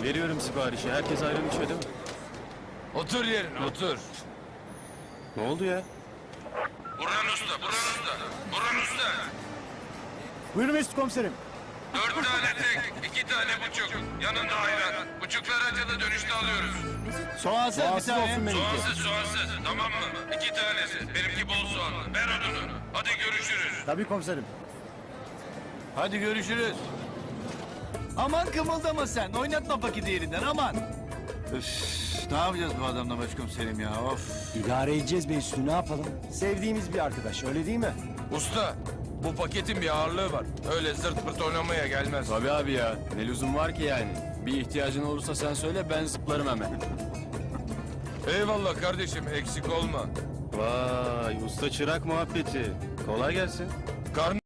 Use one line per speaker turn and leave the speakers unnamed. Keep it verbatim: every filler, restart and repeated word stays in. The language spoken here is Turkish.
Veriyorum siparişi. Herkes ayran içiyor değil mi?
Otur yerine otur.
Ne oldu ya?
Burhan Usta, Burhan Usta, Burhan Usta.
Buyurun Mesut komiserim.
Dört tane tek, iki tane buçuk. Yanında ayran. Buçuklar acılı dönüşte alıyoruz.
Soğansız bir
Soğansız
tane.
olsun benimki.
Soğansız, soğansız. Tamam mı? İki tanesi. Benimki bol soğanlı. Ver odunu. Hadi görüşürüz.
Tabii komiserim.
Hadi görüşürüz. Aman kımıldama sen. Oynatma paketi yerinden aman. Üf, ne yapacağız bu adamla başkomiserim ya of.
İdare edeceğiz Mesut'u, ne yapalım? Sevdiğimiz bir arkadaş, öyle değil mi?
Usta, bu paketin bir ağırlığı var. Öyle zırt pırt oynamaya gelmez.
Tabii abi ya. Ne lüzum var ki yani? Bir ihtiyacın olursa sen söyle, ben zıplarım hemen.
Eyvallah kardeşim, eksik olma.
Vay, usta çırak muhabbeti. Kolay gelsin.
Karn